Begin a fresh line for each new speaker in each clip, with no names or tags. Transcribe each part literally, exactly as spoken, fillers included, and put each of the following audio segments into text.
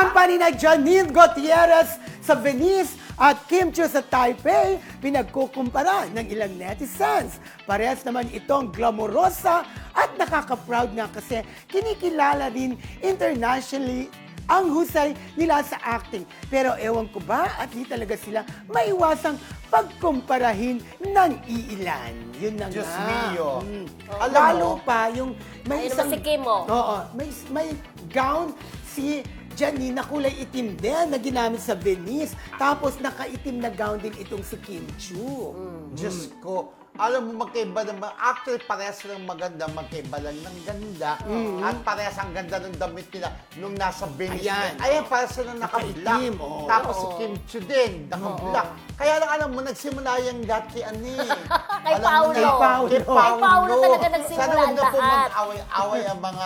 Kumpa ni na Janine Gutierrez sa Venice at Kim Chiu sa Taipei, pinagkukumpara ng ilang netizens. Parehas naman itong glamorosa at nakaka-proud nga kasi kinikilala rin internationally ang husay nila sa acting. Pero ewan ko ba at di talaga sila maiwasang pagkumparahin ng iilan. Yun na
Diyos
nga.
mio.
Mm.
Alam
Lalo
mo-
pa yung may
Ayun
isang...
naman si Kim, oh.
Oo. May, may gown si Janine na kulay itim din na ginamit sa Venice. Tapos nakaitim na gown din itong si Kim Chiu.
Diyos ko, alam mo, magkaiba naman. Actually, parehas silang maganda. Magkaiba lang ng ganda. At parehas ang ganda ng damit nila nung nasa Venice.
Ayan.
Ayan, parehas silang naka-black.
Nakaitim, oo.
Tapos si
Oo.
Kim Chiu din, naka-black. Kaya lang, alam mo, nagsimula yung lahat kay ano eh.
Kay
Alam mo
Paolo.
na-
Kay
Kay
Paolo.
Paolo.
Kay Paolo talaga nagsimula
Sana huwag na po
lahat.
mag-away-away ang mga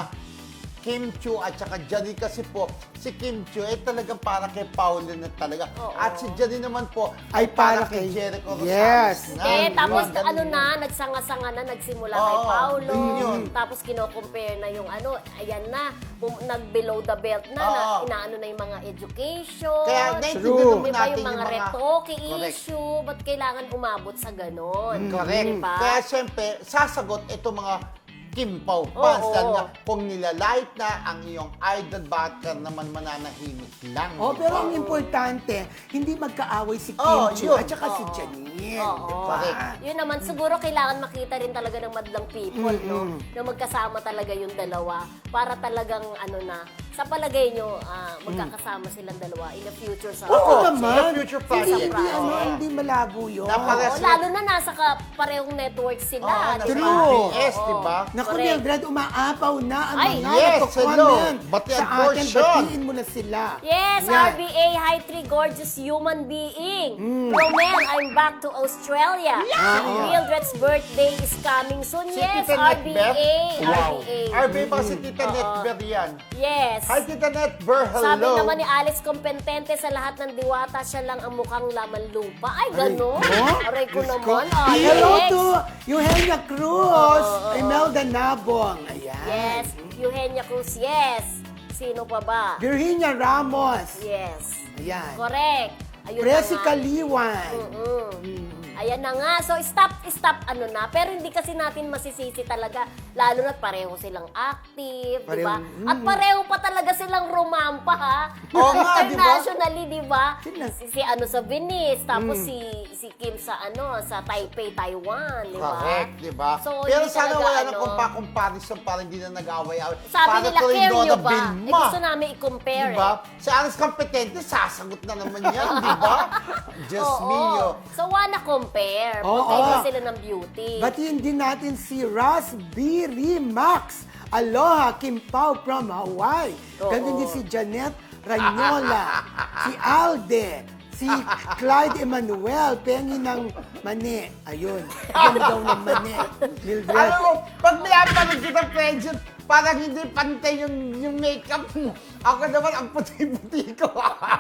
Kim Chiu at saka Janine kasi po, si Kim Chiu ay talagang para kay Paolo na talaga.
Oo.
At si Janine naman po
Ay para kay-
Jericho Rosales
Yes.
na.
Eh, tapos
Ganun
ano
yun.
na, nagsanga-sanga na, nagsimula
Oo,
kay Paolo.
yun.
Tapos kino-compare na yung ano, ayan na, bum- nag-below the belt na,
Oo.
na inaano na yung mga education.
Kaya
True.
naiintindihan naman
Diba
natin
yung mga retoke
Correct.
issue, ba't kailangan umabot sa ganon?
Correct.
Diba?
Kaya siyempre, sasagot ito mga Kim Pao fans.
Oo.
Dahil nga, kung nilalait na ang iyong idol, bakit ka naman mananahimik lang?
Oh,
di
pero
ba?
ang importante, hindi magkaaway si Kim
Oh,
Chiu
yun.
at saka si
Oo.
Janine.
Oo.
Di ba?
Correct.
Yun naman, siguro kailangan makita rin talaga ng madlang people, no? Na magkasama talaga yung dalawa para talagang, ano na, sa palagay nyo, ah, magkakasama silang dalawa in the future sa...
Oo
Oo,
naman.
sa future
Hindi,
project.
hindi, ano,
Oo.
hindi malabo yun.
Napaka-
Oo, lalo na nasa ka, parehong network sila,
Oo,
di
nasa
ba?
True.
B S, di ba?
Naku,
Correct.
Mildred, umaapaw na ang
Ay,
mga
yes,
nagko-comment
hello. Batian
sa atin.
portion.
Batiin mo na sila.
Yes,
Yan.
R B A, hi, three gorgeous human being. Roman, I'm back to Australia. Mildred's birthday is coming soon.
Si
Yes,
Tita
R B A.
Netbeth? Wow.
R B A.
R B A ba si Tita Netber yan?
Yes.
Hi, Tita Netber. Hello.
Sabi naman ni Alex Competente, sa lahat ng diwata, siya lang ang mukhang laman lupa. Ay, gano'n.
oh,
Aray ko
Diyos
naman,
ko.
Alex.
Hello to Eugenia Cruz, Imelda Nabong. Ayan.
Yes. Eugenia Cruz, yes. Sino pa ba?
Virginia Ramos.
Yes.
Ayan.
Correct. Ayun na
Presi
nga.
Kaliwan.
Mm. Ayan na nga. So, stop, stop, ano na. Pero hindi kasi natin masisisi talaga. Lalo na't pareho silang active, di ba?
Pareho,
At pareho pa talaga silang rumampa, ha?
Oo nga, di ba?
Internationally, di ba?
Sila.
Si, si ano sa Venice, tapos
Mm.
si si Kim sa ano, sa Taipei, Taiwan, di ba?
Correct, di ba?
So,
Pero
hindi
sana
talaga,
wala
ano,
nang kumpa-comparison para hindi na nag-away-away.
Sabi
Para
nila,
tuloy
care
Donna
nyo ba?
Vilma.
Eh, gusto namin i-compare,
Diba?
eh.
Si Alex Competente, sasagot na naman yan, di ba? Just
Oo.
mio.
So, wanna compare.
Oo.
Magkaiba sila ng beauty.
Batiin din natin si Raspberry Max. Aloha, Kim Pao from Hawaii.
Oo.
Ganun din si Janet Ranyola, si Alde, si Clyde Emmanuel, pengi ng mani. Ayun, ganda daw ng mani. Mildred.
Alam mo, pag pinapanood kita, friendship, parang hindi pantay yung, yung makeup mo. Ako naman, ang puti-puti ko.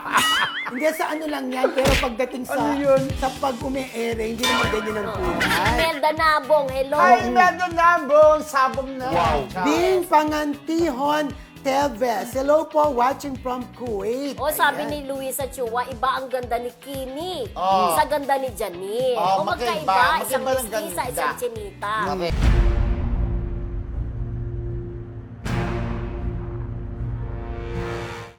Hindi, sa ano lang yan, pero pagdating sa,
Ano yun?
sa pag umi-ere, hindi naman ganyan ang kulay.
Imelda Nabong, hello.
Ay, meron na, bro. Sabong na. Wow.
Bing Pangantihon Teves. Hello po, watching from Kuwait.
O sabi
Ayan.
ni Luisa Chua, iba ang ganda ni Kimi
Oh.
sa ganda ni Janine.
Oh,
o magkaiba,
magkaiba.
isang
Magkaiba ng
mestiza,
ganda.
isang chinita.
Correct.